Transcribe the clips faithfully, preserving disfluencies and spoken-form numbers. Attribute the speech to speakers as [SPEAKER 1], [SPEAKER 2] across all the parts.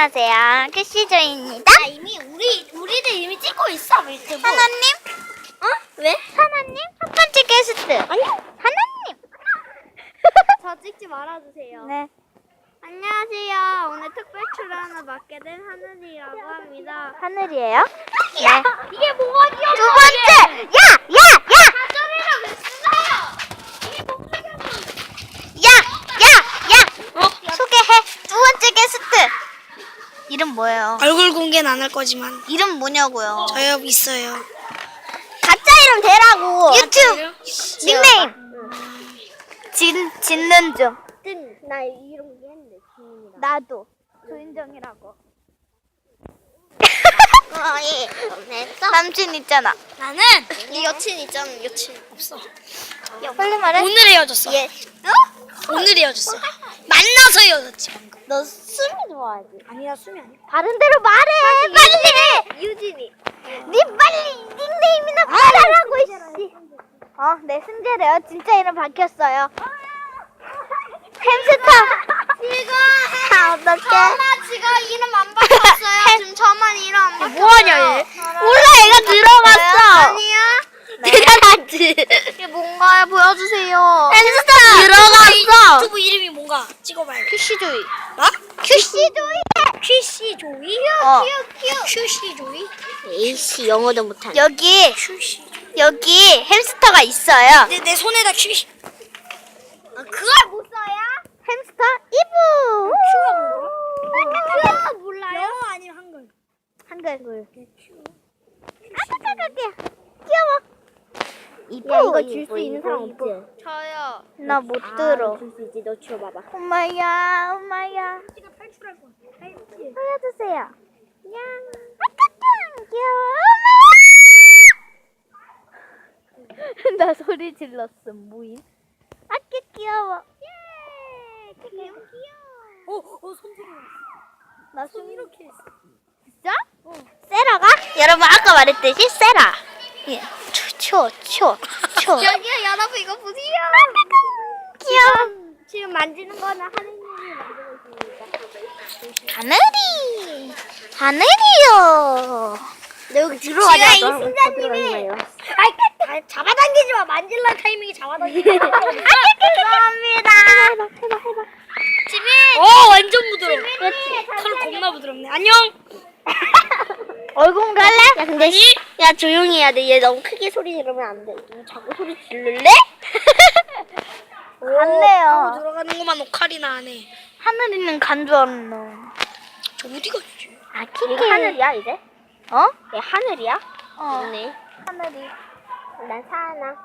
[SPEAKER 1] 안녕하세요. 큐시조입니다.
[SPEAKER 2] 아, 이미 우리 우리들 이미 찍고 있어 유튜브.
[SPEAKER 1] 하나님?
[SPEAKER 2] 어? 왜?
[SPEAKER 1] 하나님? 첫 번째 게스트.
[SPEAKER 2] 아니요.
[SPEAKER 1] 하나님.
[SPEAKER 2] 저 찍지 말아주세요.
[SPEAKER 1] 네.
[SPEAKER 2] 안녕하세요. 오늘 특별 출연을 맡게 된 하늘이라고 합니다.
[SPEAKER 1] 하늘이에요? 네.
[SPEAKER 2] 야, 이게 뭐가 귀여워?
[SPEAKER 1] 두 번째. 야, 야, 야.
[SPEAKER 2] 사전이랑 왜 쓰나요? 이게 뭐가 귀여워?
[SPEAKER 1] 야, 야, 야. 어? 소개해. 두 번째 게스트. 이름 뭐예요?
[SPEAKER 3] 얼굴 공개는 안 할 거지만
[SPEAKER 1] 이름 뭐냐고요?
[SPEAKER 3] 저요 있어요.
[SPEAKER 1] 가짜 이름 대라고. 유튜브
[SPEAKER 3] 진짜요?
[SPEAKER 1] 닉네임. 진 짓는 중.
[SPEAKER 2] 뜬, 나 이름 얘기했는데 지민이랑.
[SPEAKER 1] 나도 조인정이라고.
[SPEAKER 2] 어, 예. 했어?
[SPEAKER 1] 남친 있잖아.
[SPEAKER 3] 나는
[SPEAKER 2] 네 여친 있잖아, 여친.
[SPEAKER 3] 없어.
[SPEAKER 1] 빨리 말해.
[SPEAKER 3] 오늘 헤어졌어.
[SPEAKER 2] 예. 어?
[SPEAKER 3] 오늘 헤어졌어. 만나서 헤어졌지 방금.
[SPEAKER 2] 너 수미 좋아하지?
[SPEAKER 3] 아니야 수미 아니야.
[SPEAKER 1] 다른 대로 말해. 빨리.
[SPEAKER 2] 유진이.
[SPEAKER 1] 네 빨리 닉네임이나 말하라고 이씨. 어, 네 승재래요. 진짜 이름 밝혔어요. 햄스터.
[SPEAKER 2] 지금
[SPEAKER 1] 아, 어떡해.
[SPEAKER 2] 저만 지금 이름 안 바꿨어요. 지금 저만 이름 안 바꿨어요.
[SPEAKER 3] 뭐하냐 얘?
[SPEAKER 1] 몰라, 얘가 들어갔어.
[SPEAKER 2] 아니야?
[SPEAKER 1] 대단하지.
[SPEAKER 2] 이게 뭔가요? 보여주세요.
[SPEAKER 1] 햄스터 들어갔어.
[SPEAKER 3] 유튜브 이름이 뭔가 찍어봐요.
[SPEAKER 1] 큐시조이.
[SPEAKER 3] 뭐?
[SPEAKER 1] 큐시조이.
[SPEAKER 3] 큐시 조이?
[SPEAKER 1] 어.
[SPEAKER 3] 큐시 조이?
[SPEAKER 2] 에이씨 영어도 못하네.
[SPEAKER 1] 여기
[SPEAKER 3] 큐시.
[SPEAKER 1] 여기 햄스터가 있어요.
[SPEAKER 3] 내 내 손에다 큐시.
[SPEAKER 2] 그걸 못 써야?
[SPEAKER 1] 햄스터 이브.
[SPEAKER 3] 큐가 뭔가?
[SPEAKER 2] 그거 몰라요?
[SPEAKER 3] 영어 아니면 한글?
[SPEAKER 1] 한글. 아까까까 귀여워. 이뻐.
[SPEAKER 2] 야 이거 줄 수 있는 사람 없지?
[SPEAKER 1] 저요. 나 못 들어.
[SPEAKER 2] 줄 수 있지. 너 줘봐봐.
[SPEAKER 1] 엄마야, 엄마야.
[SPEAKER 3] 제가 탈출할 거야.
[SPEAKER 1] 보여주세요. 야, 아까까 귀여워. 엄마야. 나 소리 질렀어. 뭐임? 아까 귀여워. 예. 너무 귀여워.
[SPEAKER 3] 어어 손들어.
[SPEAKER 1] 나
[SPEAKER 3] 손 이렇게 했어.
[SPEAKER 1] 진짜? 세라가? 여러분 아까 말했듯이 세라. 예. 초, 초, 초.
[SPEAKER 2] 여기요 여러분 이거 보세요.
[SPEAKER 1] 귀여워.
[SPEAKER 2] 지금 만지는 거는 하느님이 만지고 있습니다.
[SPEAKER 1] 하늘이. 하늘이요.
[SPEAKER 2] 너 여기 들어가자.
[SPEAKER 1] 제가 이
[SPEAKER 2] 순자님이
[SPEAKER 3] 아, 잡아당기지 마. 만질라 타이밍이 잡아당기지 마.
[SPEAKER 1] 죄송합니다. 해봐, 해봐, 해봐.
[SPEAKER 2] 지민.
[SPEAKER 3] 어 완전 부드러워. 털 겁나 부드럽네. 안녕.
[SPEAKER 1] 얼굴 갈래?
[SPEAKER 2] 야 근데 씨, 야 조용히 해야 돼. 얘 너무 크게 소리 지르면 안 돼. 너 자꾸 소리 지를래?
[SPEAKER 1] 안 돼요.
[SPEAKER 3] 하고 들어가는 것만 오카리나 안 해.
[SPEAKER 1] 하늘이는 간 줄 알았노.
[SPEAKER 3] 저 어디 갔지?
[SPEAKER 1] 아,
[SPEAKER 2] 이거
[SPEAKER 1] 키키.
[SPEAKER 2] 하늘이야 이제?
[SPEAKER 1] 어?
[SPEAKER 2] 얘 하늘이야?
[SPEAKER 1] 어.
[SPEAKER 2] 네.
[SPEAKER 1] 하늘이.
[SPEAKER 2] 난 사나.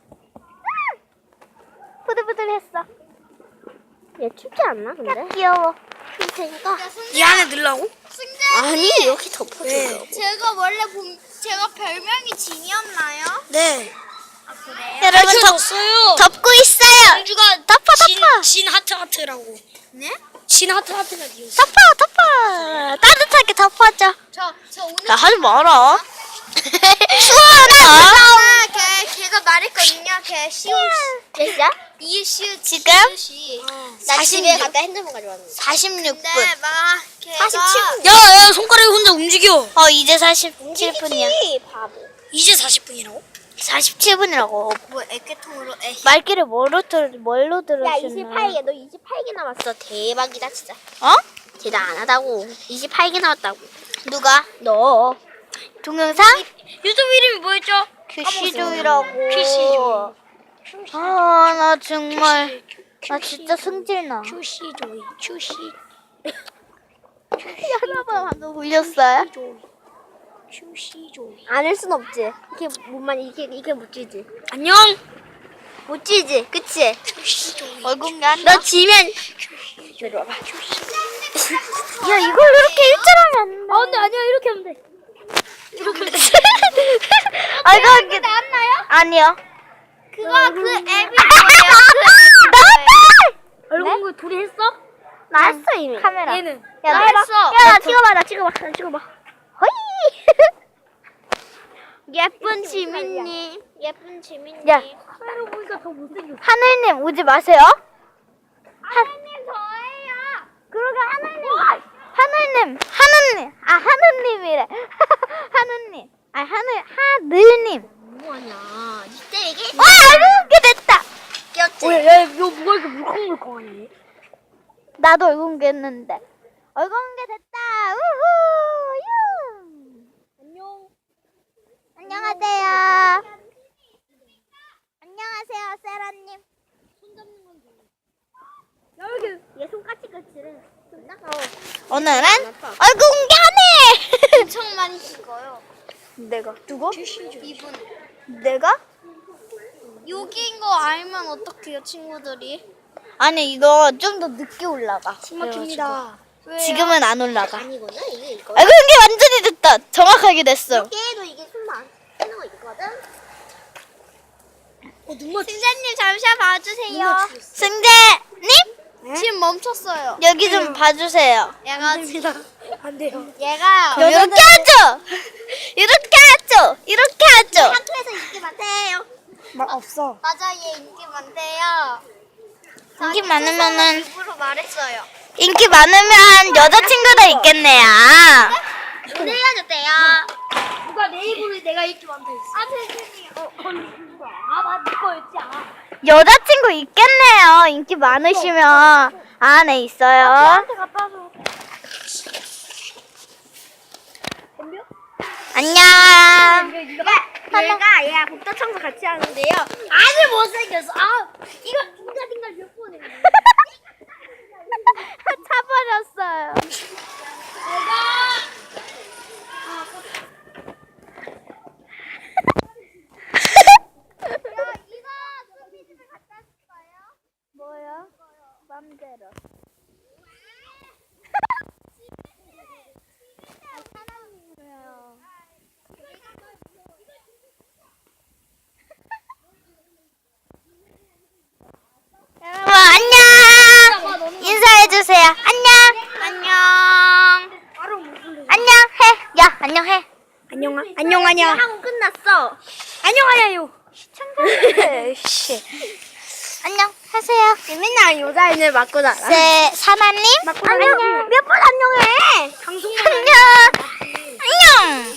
[SPEAKER 1] 부들부들했어.
[SPEAKER 2] 얘 춥지 않나 근데?
[SPEAKER 1] 귀여워.
[SPEAKER 2] 춥 테니까.
[SPEAKER 3] 이 안에 넣으려고?
[SPEAKER 2] 아니 이렇게 덮어줘.
[SPEAKER 3] 네.
[SPEAKER 2] 제가 원래 본 제가 별명이 진이었나요?
[SPEAKER 3] 네.
[SPEAKER 1] 여러분 덮,
[SPEAKER 3] 덮었어요.
[SPEAKER 1] 덮고 있어요.
[SPEAKER 3] 공주가
[SPEAKER 1] 덮어,
[SPEAKER 3] 진,
[SPEAKER 1] 덮어.
[SPEAKER 3] 진 하트 하트라고.
[SPEAKER 2] 네?
[SPEAKER 3] 진 하트 하트가 뒤였어.
[SPEAKER 1] 덮어, 덮어. 따뜻하게 덮어줘.
[SPEAKER 2] 저 저 오늘
[SPEAKER 1] 나 하지 마라. 추워라.
[SPEAKER 2] 아, 걔 걔가 말했거든요. 걔 시우
[SPEAKER 1] 진짜?
[SPEAKER 2] 이 시우
[SPEAKER 1] 지금?
[SPEAKER 2] 시.
[SPEAKER 3] 어.
[SPEAKER 2] 나 집에 갔다 핸드폰 가져왔는데.
[SPEAKER 1] 사십육 분.
[SPEAKER 2] 근데 막 걔가
[SPEAKER 1] 사십칠 분.
[SPEAKER 3] 야, 야, 손가락이 혼자 움직여.
[SPEAKER 1] 어, 이제 사십칠 분이야.
[SPEAKER 2] 움직이지, 바보.
[SPEAKER 3] 이제 사십 분이라고?
[SPEAKER 1] 사십칠 분이라고.
[SPEAKER 2] 뭐 애깨통으로 애.
[SPEAKER 1] 말귀를 뭐로 들, 뭘로
[SPEAKER 2] 야
[SPEAKER 1] 들으시나?
[SPEAKER 2] 이십팔 개 너 이십팔 개 남았어. 대박이다 진짜.
[SPEAKER 1] 어?
[SPEAKER 2] 대단하다고. 이십팔 개 남았다고.
[SPEAKER 1] 누가?
[SPEAKER 2] 너.
[SPEAKER 1] 동영상?
[SPEAKER 3] 유튜브 이름이 뭐였죠?
[SPEAKER 1] 큐시조이라고.
[SPEAKER 3] 큐시조이.
[SPEAKER 1] 아, 나 정말. 나 진짜 승질나.
[SPEAKER 3] 큐시조이, 큐시,
[SPEAKER 1] 여러분 방금 울렸어요?
[SPEAKER 3] 조이, 큐시조이.
[SPEAKER 2] 안할 순 없지. 이렇게 못만 이렇게 이렇게 못 쥐지.
[SPEAKER 3] 안녕.
[SPEAKER 2] 못 쥐지. 그치?
[SPEAKER 3] 큐시조이.
[SPEAKER 1] 얼굴이 안
[SPEAKER 2] 너 지면
[SPEAKER 3] 이리 와봐.
[SPEAKER 1] 야, 이걸 이렇게 일절하면 안 돼.
[SPEAKER 3] 아, 근데 아니야. 이렇게 하면 돼.
[SPEAKER 1] 이렇게 하면 돼. 아, 이거 이렇게.
[SPEAKER 2] 나왔나요?
[SPEAKER 1] 아니요.
[SPEAKER 2] 그거 그 앱이 뭐예요?
[SPEAKER 1] 나왔다!
[SPEAKER 3] 얼굴 네? 둘이 했어?
[SPEAKER 2] 나 했어 이미.
[SPEAKER 1] 카메라.
[SPEAKER 3] 얘는.
[SPEAKER 1] 야,
[SPEAKER 2] 나
[SPEAKER 1] 나 해봐.
[SPEAKER 2] 했어.
[SPEAKER 1] 야, 나 찍어봐, 나 찍어봐, 나 찍어봐. 허이!
[SPEAKER 2] 예쁜 지민님. 예쁜 지민님.
[SPEAKER 1] 야.
[SPEAKER 3] 카메라 보니까 더 못생겼어.
[SPEAKER 1] 하늘님 오지 마세요.
[SPEAKER 2] 하나님 저예요.
[SPEAKER 1] 그러게 하늘님. 하늘님 했는데. 얼굴 공개 됐다. 우후. 유.
[SPEAKER 3] 안녕.
[SPEAKER 1] 안녕하세요. 안녕하세요, 세라님.
[SPEAKER 3] 야 여기 얘 손까치까치래. 나가워.
[SPEAKER 1] 오늘은 얼굴 공개하네.
[SPEAKER 2] 엄청 많이 찍어요.
[SPEAKER 1] 내가 누구?
[SPEAKER 2] 이분.
[SPEAKER 1] 내가?
[SPEAKER 2] 여기인 거 알면 어떡해요, 친구들이?
[SPEAKER 1] 아니 이거 좀 더 늦게 올라가.
[SPEAKER 3] 막힙니다.
[SPEAKER 2] 왜요?
[SPEAKER 1] 지금은 안 올라가.
[SPEAKER 3] 아니거든 이게 이거.
[SPEAKER 1] 얼굴 공개 완전히 됐다. 정확하게 됐어.
[SPEAKER 3] 얘도 이게 숨만 하는 거 있거든. 어 눈만
[SPEAKER 2] 승자님 잠시만 봐주세요.
[SPEAKER 1] 승재님
[SPEAKER 2] 지금 멈췄어요.
[SPEAKER 1] 여기 좀 봐주세요.
[SPEAKER 2] 얘가
[SPEAKER 3] 됩니다. 안 돼요.
[SPEAKER 2] 얘가
[SPEAKER 1] 이렇게 하죠. 이렇게 하죠. 이렇게 하죠.
[SPEAKER 2] 학교에서 인기 많대요.
[SPEAKER 3] 말 없어.
[SPEAKER 2] 맞아, 얘 인기 많대요.
[SPEAKER 1] 인기 많으면은
[SPEAKER 2] 입으로 말했어요.
[SPEAKER 1] 인기 많으면 여자친구도 있겠네요.
[SPEAKER 2] 오늘 헤어졌대요.
[SPEAKER 3] 누가 내 입으로 내가 이렇게 만들었어.
[SPEAKER 2] 아, 선생님.
[SPEAKER 3] 어, 언니 누가? 아, 맞네 거였지. 아.
[SPEAKER 1] 여자친구 있겠네요. 인기 많으시면 안에 있어요.
[SPEAKER 3] 나한테 갖다 줘. 덤벼?
[SPEAKER 1] 안녕.
[SPEAKER 3] 얘가 얘가 복도 청소 같이 하는데요. 아주 못생겼어. 아, 이거 딩가딩가 몇 번에.
[SPEAKER 1] 차버렸어요. 뭐요? 맘대로. 여러분 안녕. 인사해주세요. 안녕. 안녕.
[SPEAKER 3] 바로 무슨
[SPEAKER 1] 안녕해. 야 안녕해.
[SPEAKER 3] 안녕 안녕하냐
[SPEAKER 2] 하고 끝났어.
[SPEAKER 3] 안녕하냐요.
[SPEAKER 1] 씨. 안녕 하세요.
[SPEAKER 3] 맨날 여자애들 맞고 살아.
[SPEAKER 1] 세 사나님.
[SPEAKER 3] 안녕. 몇 번 안녕해. 방송만
[SPEAKER 1] 안녕. 안녕.